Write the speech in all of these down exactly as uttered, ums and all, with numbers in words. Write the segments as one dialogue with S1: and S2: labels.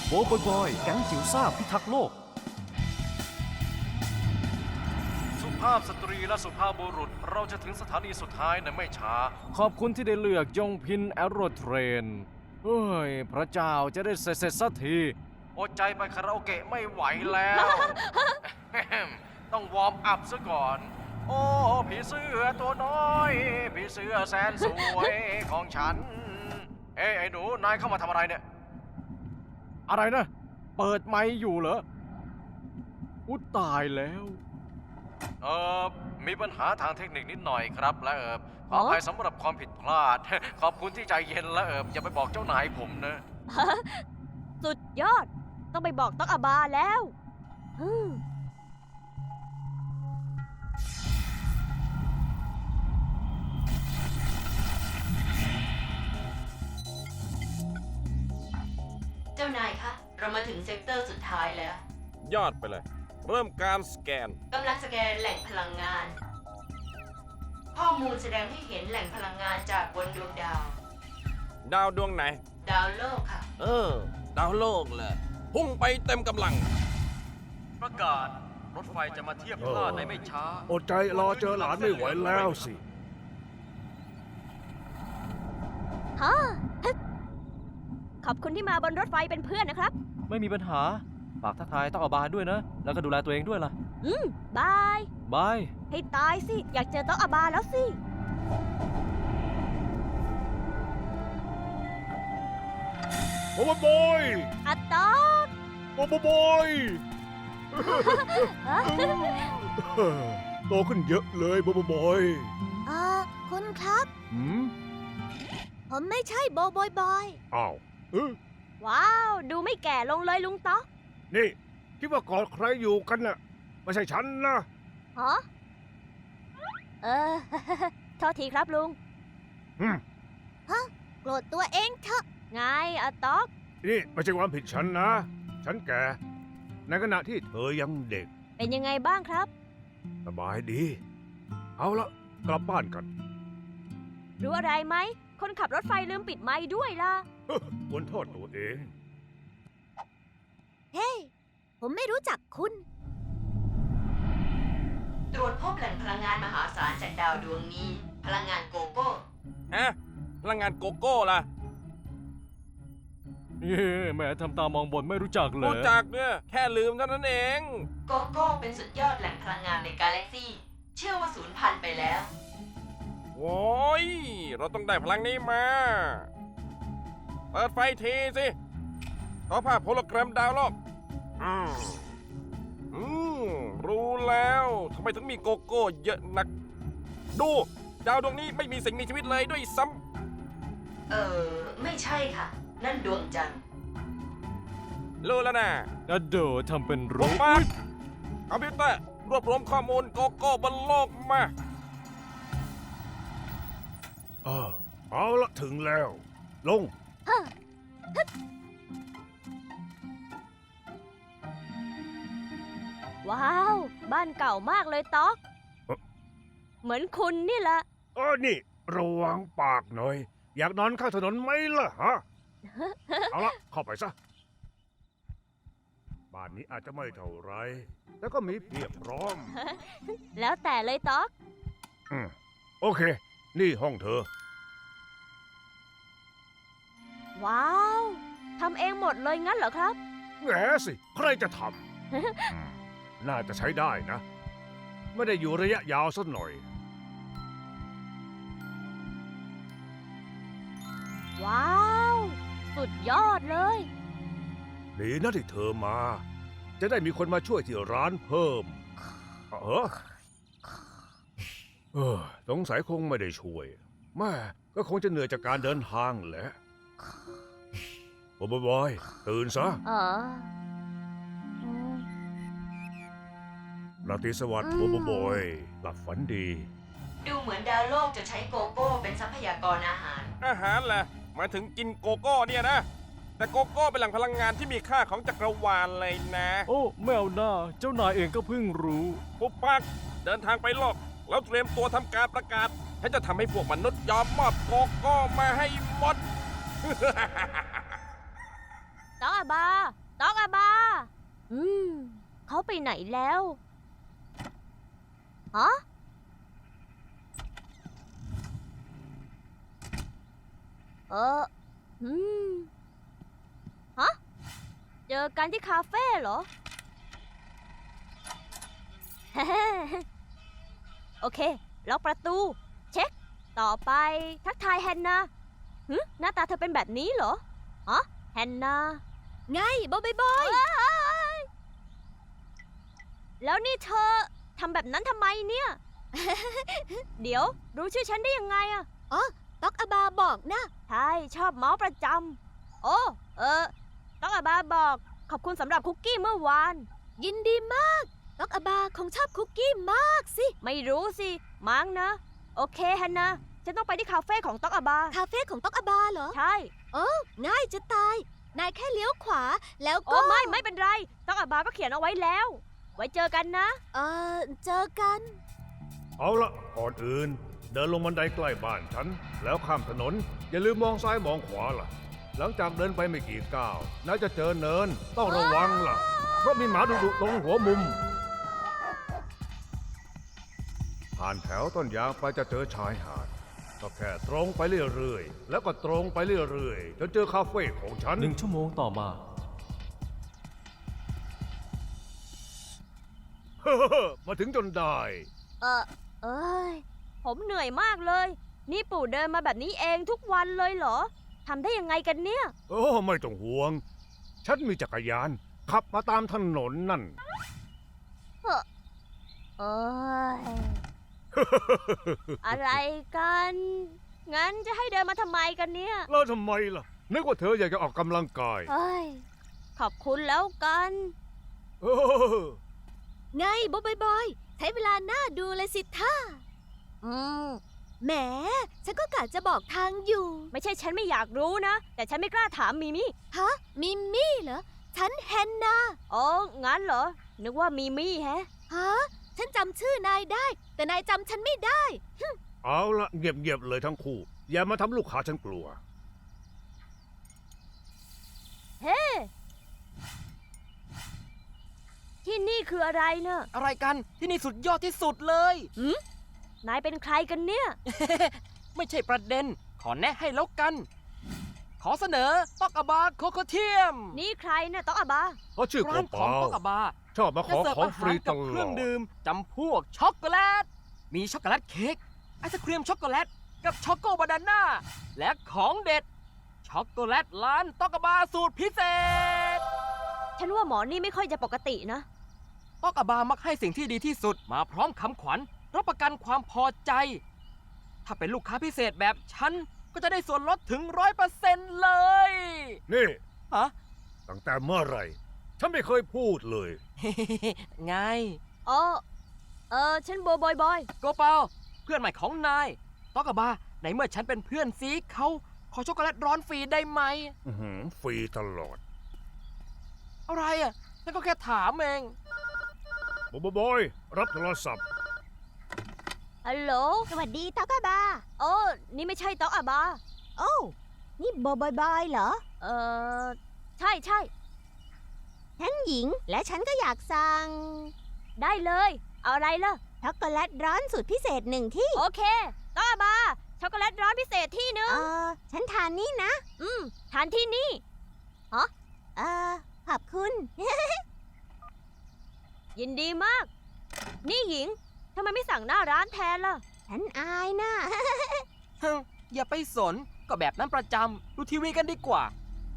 S1: โบบอยบอยแก๊งจิ๋วซ่าพิทักษ์โลกสุภาพสตรีและสุภาพบุรุษเราจะถึงสถานีสุดท้ายในไม่ช้าขอบคุณที่ได้เลือกยงพินแอโรเทรนเฮ้ยพระเจ้าจะได้เสร็จเสร็จสักทีอดใจไปคาราโอเกะไม่ไหวแล้ว ต้องวอร์มอัพซะก่อน โอ้ผีเสื้อตัวน้อยผีเสื้อแสนสวยของฉันเอ้ยไอ้หนูนายเข้ามาทำอะไรเนี่ยอะไรนะเปิดไมค์อยู่เหรออุ๊ยตายแล้วเออมีปัญหาทางเทคนิคนิดหน่อยครับและเออขออภัยสำหรับความผิดพลาด ขอบคุณที่ใจเย็นและเอออย่าไปบอกเจ้านายผมนะ
S2: สุดยอดต้องไปบอกต๊อกอาบาแล้วอืม
S3: เจ้านายคะ เรามาถึงเซกเตอร์สุดท้ายแล้ว
S4: ยอดไปเลย เริ่มการสแกน
S3: กำลังสแกนแหล่งพลังงาน ข้อมูลแสดงให้เห็นแหล่งพลังงานจากบนดวงดาว
S4: ดาวดวงไหน
S3: ดาวโลกค่ะ
S4: เออ ดาวโลกเลยพุ่งไปเต็มกำลัง
S1: ประกาศรถไฟจะมาเทียบท่าในไม่ช้า
S5: อดใจรอเจอหลานไม่ไหวแล้วสิ
S2: ฮะฮึขอบคุณที่มาบนรถไฟเป็นเพื่อนนะครับ
S1: ไม่มีปัญหาฝากทักทายต้องอาบาด้วยนะ แล้วก็ดูแลตัวเองด้วยล่ะ
S2: อืมบาย
S1: บาย
S2: ให้ตายสิ อยากเจอต๊อกอาบาแล้วสิ
S5: โบบอยบอย
S2: อะต๊อก
S5: โบบอยบอย
S2: ฮะ
S5: โตขึ้นเยอะเลยโบบอยบอย
S2: เออคุณครับ
S5: หืม
S2: ผมไม่ใช่โบบอยบอย
S5: อ้าวเออ
S2: ว้าว ดูไม่แก่ลงเลยลุงต๊อก
S5: นี่คิดว่ากอดใครอยู่กันน่ะไม่ใช่ฉันนะ
S2: ฮะเออ โทษทีครับลุง
S5: หืม
S2: ฮะโกรธตัวเองเถอะไงอะต๊อก
S5: นี่ไม่ใช่ความผิดฉันนะ ฉันแก่ในขณะที่เธอยังเด็ก
S2: เป็นยังไงบ้างครับ
S5: สบายดี เอาละกลับบ้านกัน
S2: รู้อะไรไหม คนขับรถไฟลืมปิดไมค์ด้วยล่ะ
S5: ควรโทษตัวเอง
S2: เฮ้ ผมไม่รู้จักคุณ
S3: ตรวจพบแหล่งพลังงานมหาศาลจากดาวดวงนี้ พลังงานโกโก้
S4: ฮะ พลังงานโกโก้ล่ะ
S1: เย้แม่ทำตามองบนไม่รู้จักเลย
S4: รู้จักเนี่ย แค่ลืมเท่านั้นเอง
S3: โกโก้เป็นสุดยอดแหล่งพลังงานในกาแล็กซี่ เชื่อว่าสูญพันธุ์ไปแล้ว
S4: โว้ย เราต้องได้พลังนี้มา เปิดไฟทีสิต่อภาพโฮโลแกรมดาวโลกอืมอืมรู้แล้วทำไมถึงมีโกโก้เยอะนัก ดู ดาวดวงนี้ไม่มีสิ่งมีชีวิตเลยด้วยซ้
S3: เออ ไม่ใช่ค่ะ นั่นดวงจันทร์
S4: ำรู้แล้วนะ
S1: นัดโดทำเป็น
S4: รู
S1: รู้
S4: ปักคอมพิวเตอร์ รวบรวมข้อมูลโกโก้บนโลกมา
S5: เออเอาละถึงแล้ว ลง
S2: ว้าว บ้านเก่ามากเลยต๊อก
S5: เอ่อ
S2: เหมือนคุณนี่แหละ
S5: เออนี่ ระวังปากหน่อย อยากนอนข้างถนนไหมล่ะฮะ เอาละเข้าไปซะ บ้านนี้อาจจะไม่เท่าไรแต่ก็มีเพียบพร้อม
S2: แล้วแต่เลยต๊อก
S5: อืมโอเค นี่ห้องเธอ
S2: ว้าวทำเองหมดเลยงั้นเหรอครับ
S5: แหมสิ ใครจะทำ อืมน่าจะใช้ได้นะ ไม่ได้อยู่ระยะยาวสักหน่อย
S2: ว้าว สุดยอดเลย
S5: ดีนะที่เธอมา จะได้มีคนมาช่วยที่ร้านเพิ่ม เออเออสงสัยคงไม่ได้ช่วยแม่ก็คงจะเหนื่อยจากการเดินทางแหละบอยบอยตื่นซะ
S2: เอออืม
S5: ราตรีสวัสดิ์บอยบอยหลับฝันดี
S3: ดูเหมือนดาวโลกจะใช้โกโก้เป็นทรัพยากรอาหาร
S4: อาหารแหละหมายถึงกินโกโก้เนี่ยนะ แต่โกโก้เป็นแหล่งพลังงานที่มีค่าของจักรวาลเลยนะ
S1: โอ้ไม่เอาหน้า เจ้านายเองก็เพิ่งรู้
S4: ปุ๊บปักเดินทางไปโลก แล้วเตรียมตัวทำการประกาศฉันจะทำให้พวกมนุษย์ยอมมอบโกโก้มาให้หมด
S2: ต๊อกอาบาต๊อกอาบา อืม เขาไปไหนแล้วฮะเอออืมฮะ เจอกันที่คาเฟ่เหรอ โอเค ล็อกประตู เช็ค ต่อไปทักทายแฮนนาหึหน้าตาเธอเป็นแบบนี้เหรอฮะแฮนนา ไงบอยบอยแล้วนี่เธอทำแบบนั้นทำไมเนี่ย เดี๋ยว รู้ชื่อฉันได้ยังไงอะอ๋อต๊อกอาบาบอกนะ ใช่ ชอบเมาส์ประจำ โอ้ เออต๊อกอาบาบอก ขอบคุณสำหรับคุกกี้เมื่อวาน ยินดีมากต๊อกอาบาคงชอบคุกกี้มากสิ ไม่รู้สิ มั้งนะ โอเคฮันนะ ฉันต้องไปที่คาเฟ่ของต๊อกอาบา คาเฟ่ของต๊อกอาบาเหรอ ใช่ โอ้ง่ายจะตาย นายแค่เลี้ยวขวา แล้วก็ โอ้ไม่ ไม่เป็นไร ต๊อกอาบาก็เขียนเอาไว้แล้ว ไว้เจอกันนะ เออเจอกัน
S5: เอาละก่อนอื่น เดินลงบันไดใกล้บ้านฉัน แล้วข้ามถนน อย่าลืมมองซ้ายมองขวาล่ะ หลังจากเดินไปไม่กี่ก้าวน่าจะเจอเนิน ต้องระวังล่ะ เพราะมีหมาดุๆตรงหัวมุม ผ่านแถวต้นยางไปจะเจอชายหาด ก็แค่ตรงไปเรื่อยๆ แล้วก็ตรงไปเรื่อยๆจนเจอคาเฟ่ของฉัน
S1: หนึ่งชั่วโมงต่อมา
S5: มาถึงจนได้
S2: เออเอ้ย ผมเหนื่อยมากเลย นี่ปู่เดินมาแบบนี้เองทุกวันเลยเหรอ ทำได้ยังไงกันเนี่ย
S5: โอ้ไม่ต้องห่วง ฉันมีจักรยาน ขับมาตามถนนนั่น
S2: เอ้ย อะไรกัน งั้นจะให้เดินมาทำไมกันเนี่ย
S5: แล้วทำไมล่ะ นึกว่าเธออยากจะออกกำลังกาย
S2: เฮ้ย ขอบคุณแล้วกัน
S5: เออ
S2: ไงบอยบอยใช้เวลาหน้าดูเลยสิท่าอืมแหม ฉันก็กะจะบอกทางอยู่ ไม่ใช่ฉันไม่อยากรู้นะ แต่ฉันไม่กล้าถามมิมี่ฮะ มิมี่เหรอ ฉันแฮนนาอ๋อ งั้นเหรอ นึกว่ามิมี่แฮะ ฮะ ฉันจำชื่อนายได้ แต่นายจำฉันไม่ได้
S5: เอาละเงียบๆเลยทั้งคู่ อย่ามาทำลูกค้าฉันกลัว
S2: เฮ้ ที่นี่คืออะไรเนอะ
S6: อะไรกันที่นี่สุดยอดที่สุดเลย
S2: หืมนายเป็นใครกันเนี่ย
S6: ไม่ใช่ประเด็น ขอแนะให้แล้วกัน ขอเสนอต๊อกอาบาโคโคเทียม
S2: นี่ใครนะต๊อกอาบา
S5: เพราะชื่อ
S6: ร้าน
S5: เป
S6: ของ
S5: ล่า
S6: ต๊อกอาบา
S5: ๆชอบมาข
S6: จะ
S5: อ
S6: เสิร์ฟ
S5: ของ
S6: อา
S5: ฟ
S6: หา
S5: รี
S6: ร
S5: ต
S6: กับ
S5: ล
S6: เครื่
S5: อ
S6: อง
S5: ด
S6: ดื่มจำพวกช็อกโกแลต มีช็อกโกแลตเค้กไอศครีมช็อกโกแลตกับช็อกโกบานาน่าและของเด็ด ช็อกโกแลตร้านต๊อกอาบาสูตรพิเศษ
S2: ฉันว่าหมอนี่ไม่ค่อยจะปกตินะ
S6: ต๊อกอาบามักให้สิ่งที่ดีที่สุดมาพร้อมคำขวัญรับประกันความพอใจ ถ้าเป็นลูกค้าพิเศษแบบฉัน ก็จะได้ส่วนลดถึงร้อยเปอร์เซ็นต์เลย
S5: นี่
S6: ฮะ
S5: ตั้งแต่เมื่อไหร่ ฉันไม่เคยพูดเลย
S6: ไง
S2: อ๋อ เออ ฉันโบบอยบอย
S6: โกเปาเพื่อนใหม่ของนายต๊อกอาบาในเมื่อฉันเป็นเพื่อนซีเขาขอช็อกโกแลตร้อนฟรีได้ไหม
S5: อื้อหือฟรีตลอด
S6: อะไรอ่ะฉันก็แค่ถามเอง
S5: บอยบอยรับโทรศัพท์
S2: ฮัลโหล สวัสดีต๊อกอาบา โอ้ นี่ไม่ใช่ต๊อกอาบา โอ้ นี่โบบอยบอยเหรอ เออ ใช่ใช่ฉันหญิง และฉันก็อยากสั่ง ได้เลย เอาอะไรล่ะ ช็อกโกแลตร้อนสูตรพิเศษหนึ่งที่ โอเคต๊อกอาบา ช็อกโกแลตร้อนพิเศษที่หนึ่งเออ ฉันทานนี่นะ อืม ทานที่นี่ฮะเออ ขอบคุณ ยินดีมาก นี่หญิง ทำไมไม่สั่งหน้าร้านแทนล่ะ ฉันอายนะ
S6: ฮึอย่าไปสนก็แบบนั้นประจำดูทีวีกันดีกว่า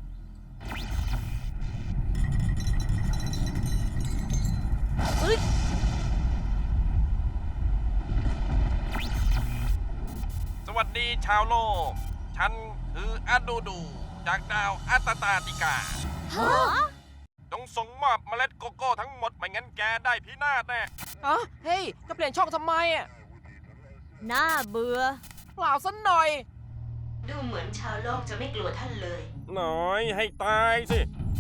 S4: สวัสดีชาวโลก ฉันคืออาดูดู จากดาวอัตตาติกา
S2: ฮะ
S4: จงส่งมอบเมล็ดโกโก้ทั้งหมดไม่งั้นแกได้พินาศแน่
S6: อ๋อ เฮ้ย จะเปลี่ยนช่องทำไมอ่ะ
S2: น่าเบื่อ
S6: เปล่าสักหน่อย
S3: ดูเหมือนชาวโลกจะไม่กลัวท่านเลย
S4: หน่อยให้ตายสิ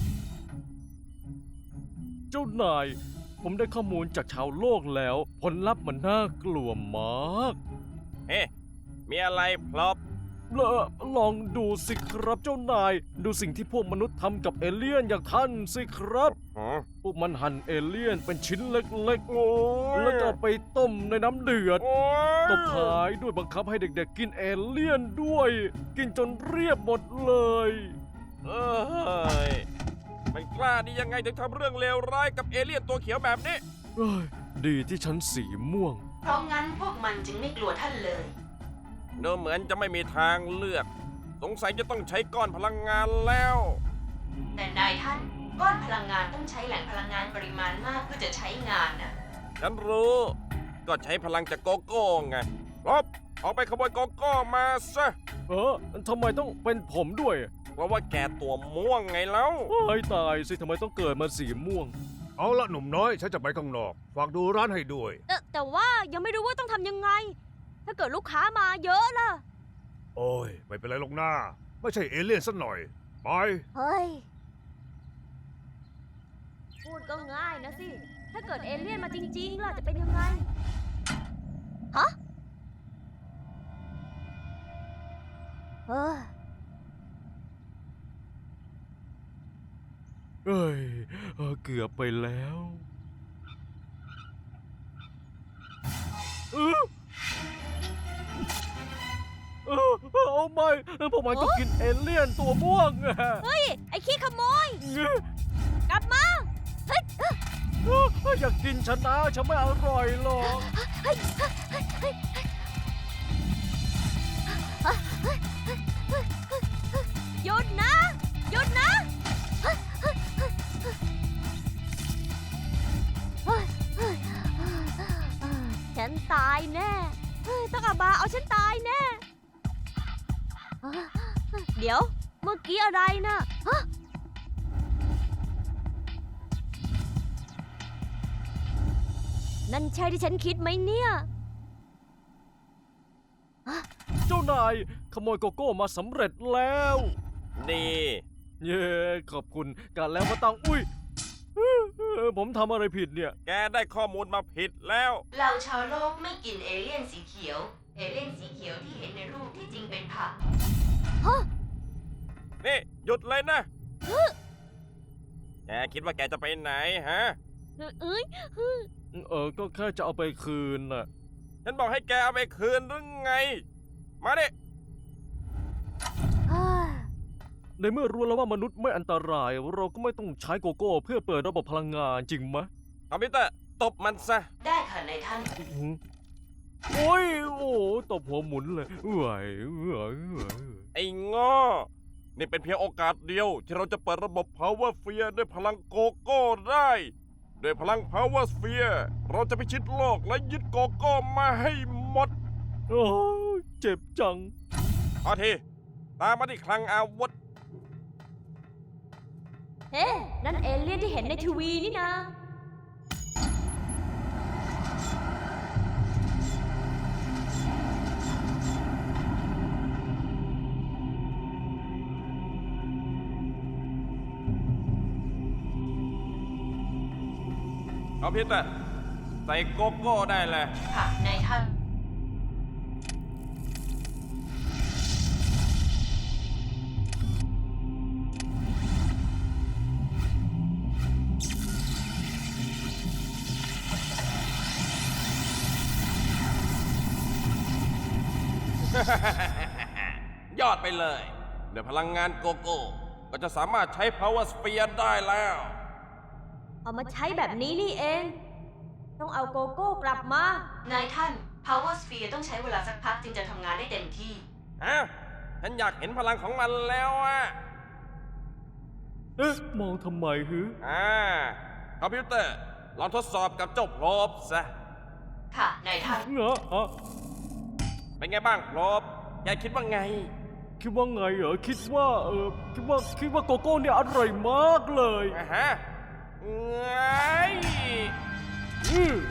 S1: เจ้านาย ผมได้ข้อมูลจากชาวโลกแล้ว ผลลัพธ์มันน่ากลัวมาก
S4: เฮ้ มีอะไรพลบ
S1: ผลอลองดูสิครับเจ้านาย ดูสิ่งที่พวกมนุษย์ทำกับเอเลี่ยนอย่างท่านสิครับ
S4: อ๋อ
S1: พวกมันหั่นเอเลี่ยนเป็นชิ้นเล็ก
S4: โอ้ย
S1: ๆ แล้วก็เอาไปต้มในน้ำเดือด
S4: โอ้ย
S1: ตบท้ายด้วยบังคับให้เด็กๆกินเอเลี่ยนด้วย กินจนเรียบหมดเลย
S4: เอ้ยมันกล้าดียังไงถึงทำเรื่องเลวร้ายกับเอเลี่ยนตัวเขียวแบบนี้
S1: เอ้ย ดีที่ฉันสีม่วง
S3: เพราะงั้นพวกมันจึงไม่กลัวท่านเลย
S4: ดูเหมือนจะไม่มีทางเลือก สงสัยจะต้องใช้ก้อนพลังงานแล้ว
S3: แต่นายท่านก้อนพลังงานต้องใช้แหล่งพลังงานปริมาณมากเพื่อจะใช้งานนะ
S4: ฉันรู้ ก็ใช้พลังจากโกโก้ไงรบออกไปขโมยโกโก้มาซะ
S1: เออทำไมต้องเป็นผมด้วย
S4: เพราะว่าแกตัวม่วงไงแล้ว
S1: ไอ้ตายสิทำไมต้องเกิดมาสีม่วง
S5: เอาละหนุ่มน้อยฉันจะไปข้างนอก ฝากดูร้านให้ด้วย
S2: แต่แต่ว่ายังไม่รู้ว่าต้องทำยังไง ถ้าเกิดลูกค้ามาเยอะล่ะ
S5: โอ้ย ไม่เป็นไรหรอกหน้า ไม่ใช่เอเลี่ยนสักหน่อย ไป
S2: เฮ้ย พูดก็ง่ายนะสิ ถ้าเกิดเอเลี่ยนมาจริงๆล่ะจะเป็นยังไง ฮะเออ
S1: เอ้ยเออเกือบไปแล้วเออเออเอาไม่พวกมันก็กินเอเลี่ยนตัวม่วงอะ
S2: เฮ้ย ไอ้ขี้ขโมย กลับมา เฮ้ย
S1: เอออยากกินฉันนะฉันไม่อร่อยหรอก
S2: เฮ้ยเฮ้ยหยุดนะ หยุดนะฉันตายแน่เฮ้ยต้องอาบาเอาฉันตายแน่ เดี๋ยว เมื่อกี้อะไรนะฮะนั่นใช่ที่ฉันคิดไหมเนี่ย
S1: เจ้านายขโมยโกโก้มาสำเร็จแล้ว
S4: ดี
S1: เย้ขอบคุณกันแล้วมาตังอุ้ยเออผมทำอะไรผิดเนี่ย
S4: แกได้ข้อมูลมาผิดแล้ว
S3: เราชาวโลกไม่กินเอเลี่ยนสีเขียว เอเลี่ยนสีเขียวที่เห็นในรูปที่จริงเป็นผัก
S4: นี่ หยุดเลยนะ แกคิดว่าแกจะไปไหนฮะ
S2: เอ้ย
S1: เออก็แค่จะเอาไปคืนน่ะ
S4: ฉันบอกให้แกเอาไปคืนหรือไง มาดิ
S1: ในเมื่อรู้แล้วว่ามนุษย์ไม่อันตราย เราก็ไม่ต้องใช้โกโก้เพื่อเปิดระบบพลังงานจริงไหม
S4: คอมพิวเตอร์ตบมันซะ
S3: ได้ค่ะนายท่าน
S1: อื้อหือโอ้ยโอ้ตบหัวหมุนเลยเอื่อยเอื่อยเอื่อย
S4: ไอ้ง้อ นี่เป็นเพียงโอกาสเดียว ที่เราจะเปิดระบบ Power Sphere ด้วยพลังโกโก้ได้ ด้วยพลัง Power Sphere เราจะพิชิตโลกและยึดโกโก้มาให้หมด
S1: โอ้ยเจ็บจัง
S4: พอที ตามมาที่คลังอาวุธ
S2: เฮ้นั่นเอเลี่ยนที่เห็นในทีวีนี่นะ
S4: คอมพิวเตอร์ใส่โกโก้ได้เลย
S3: ค่ะนายท่าน
S4: ยอดไปเลยด้วยพลังงานโกโก้ ก็จะสามารถใช้ Power Sphere ได้แล้ว
S2: เอามาใช้แบบนี้นี่เอง ต้องเอาโกโก้กลับมา
S3: นายท่าน Power Sphere ต้องใช้เวลาสักพักจึงจะทำงานได้เต็มที่
S4: ฮะ ฉันอยากเห็นพลังของมันแล้วอ่ะ
S1: เอ๊ะมองทำไมฮึ
S4: อ่า คอมพิวเตอร์ ลองทดสอบกับเจ้าโพลบซะ
S3: ค่ะนายท่าน
S1: เหรอฮะ
S4: เป็นไงบ้างโพลบแกคิดว่าไง
S1: คิดว่าไงเหรอคิดว่าเออคิดว่าคิดว่าโกโก้เนี่ยอร่อยมากเลย
S4: อ่ะฮะไง
S1: อือ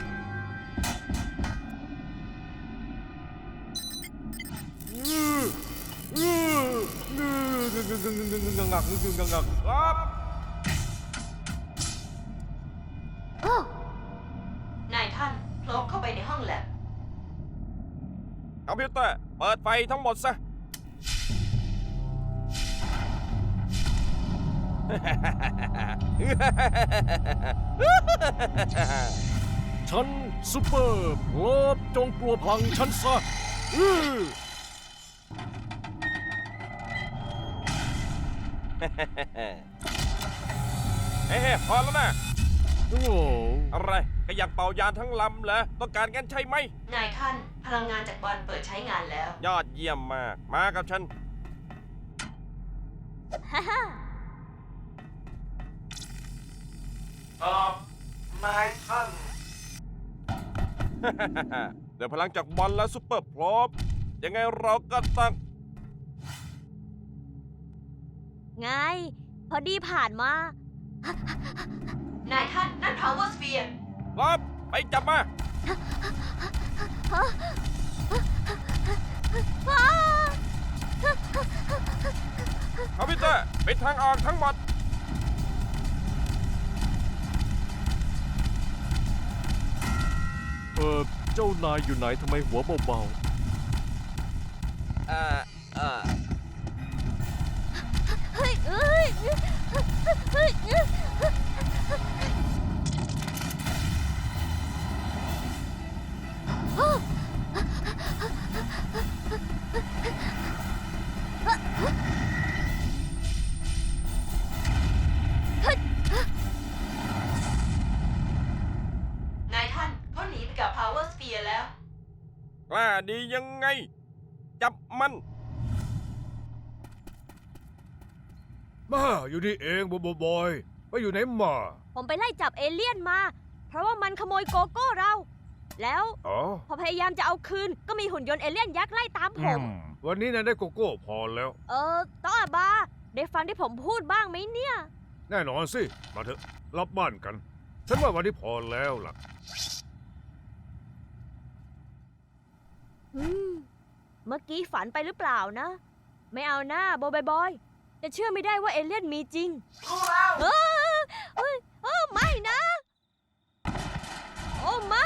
S1: อืออืออืองักงักงักงักงักงักงัก
S4: ครับ
S3: นายท่านโผล่เข้าไปในห้องแลบ
S4: คอมพิวเตอร์ เปิดไฟทั้งหมดซะ
S1: ฉันซูเปอร์โลบจงกลัวพลังฉันซะอื้อ
S4: เฮ้ยพอแล้วนะ
S1: โอ้โห
S4: อะไรก็อยากเป่ายานทั้งลำเหรอต้องการกันใช่ไหม
S3: นายท่านพลังงานจากบอลเปิดใช้งานแล้ว
S4: ยอดเยี่ยมมาก มากับฉัน
S2: ฮ่าฮ่า
S4: ตอบนายท่าน เดี๋ยวพลังจากบอลและซุปเปอร์พร้อมยังไงเราก็ต้อง
S2: ไง พอดีผ่านมา
S3: นายท่านนั่น power sphere
S4: พร้อมไปจับมา คอมพิวเตอร์ปิดทางออกทั้งหมด
S1: เออเจ้านายอยู่ไหนทำไมหัวเบา
S4: เอ่อ เอ่อ
S2: เฮ้ยเอ้ยเฮ้ยเอ้ยอ้าว
S3: นายท่านเขาหนีไปกับ power sphere แล้ว
S4: กล้าดียังไง จับมัน
S5: มาอยู่นี่เองบอยบอยไปอยู่ไหนมา
S2: ผมไปไล่จับเอเลี่ยนมา เพราะว่ามันขโมยโกโก้เรา แล้ว
S5: อ๋อ
S2: พอพยายามจะเอาคืน ก็มีหุ่นยนต์เอเลี่ยนยักษ์ไล่ตามผม
S5: อืมวันนี้นายได้โกโก้พอแล้ว
S2: เออต้องอาบา ได้ฟังที่ผมพูดบ้างไหมเนี่ย
S5: แน่นอนสิ มาเถอะรับบ้านกัน ฉันว่าวันนี้พอแล้วล่ะ
S2: อืม เมื่อกี้ฝันไปหรือเปล่านะ ไม่เอาหน้าบอยบอยจะเชื่อไม่ได้ว่าเอเลี่ยนมีจริง
S3: รู้แล้ว
S2: เออเอ้ยเออไม่นะ โอ้ไม่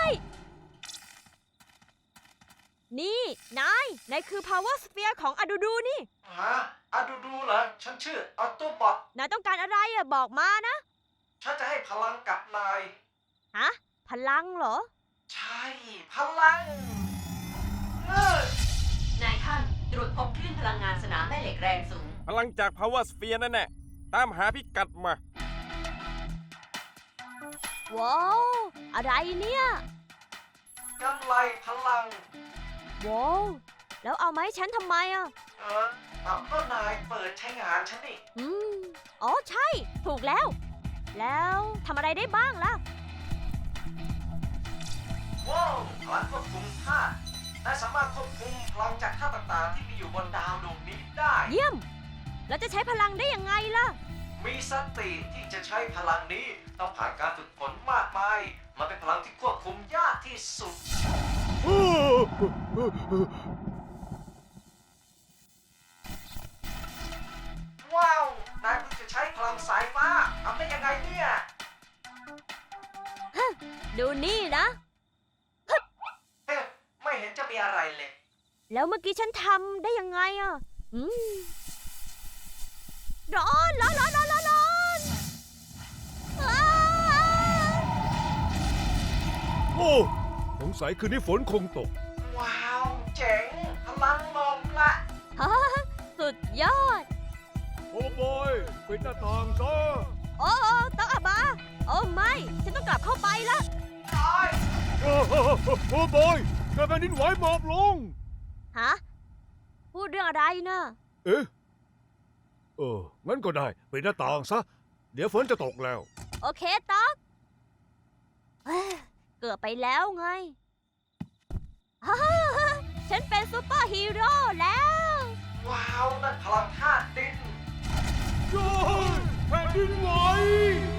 S2: นี่ นาย นายคือ power sphere ของอดูดูนี่
S7: ฮะอะดูดูเหรอ ฉันชื่อออโตบอท
S2: นายต้องการอะไรอะบอกมานะ
S7: ฉันจะให้พลังกับนาย
S2: ฮะ พลังเหรอ
S7: ใช่ พลังเออน
S3: ายท่านตรวจพบคลื่นพลังงานสนามแม่เหล็กแรงสูง
S4: พลังจาก power sphere นั่นแหละตามหาพิกัดมา
S2: ว้าว อะไรเนี่ย
S7: กำไรพลัง
S2: ว้าว แล้วเอามาให้ฉันทำไมอะ
S7: เออเอาก็นายเปิดใช้งานฉันนี่
S2: อืม อ๋อใช่ ถูกแล้ว แล้วทำอะไรได้บ้างล่ะ
S7: ว้าวพลังควบคุมธาตุนายสามารถควบคุมพลังจากธาตุต่างๆ ที่มีอยู่บนดาวดวงนี้ได้
S2: เยี่ยม แล้วจะใช้พลังได้ยังไงล่ะ
S7: มีสติที่จะใช้พลังนี้ ต้องผ่านการฝึกฝนมากมาย มันเป็นพลังที่ควบคุมยากที่สุด ว้าว นายเพิ่งจะใช้พลังสายฟ้าทำได้ยังไงเนี่ย
S2: ดูนี่นะ
S7: เอ๊ะไม่เห็นจะมีอะไรเลย
S2: แล้วเมื่อกี้ฉันทำได้ยังไงอ่ะ อืม ร้อนร้อนร้อนร้อนร้อนร้อนอ้า
S5: โอ้สงสัยคืนนี้ฝนคงตก
S7: ว้าว เจ๋ง พลังลมละ
S2: ฮ่าสุดยอด
S5: โอ้บอยปิดหน้าต่างซะ
S2: โอ้โอ้ต้องอาบา โอ้ไม่ ฉันต้องกลับเข้าไปละ
S7: น้อย
S5: โอ้โอ้บอยเกิดแผ่นดินไหวหมอบลง
S2: ฮะ พูดเรื่องอะไรนะ
S5: เอ๊ะ เออ งั้นก็ได้ปิดหน้าต่างซะ เดี๋ยวฝนจะตกแล้ว
S2: โอเคต๊อกเอ้ยเกือบไปแล้วไงฮ่าฉันเป็นซูเปอร์ฮีโร่แล้ว
S7: ว้าว นั่นพลังธาตุดิน
S5: โอ้ยแผ่นดินไหว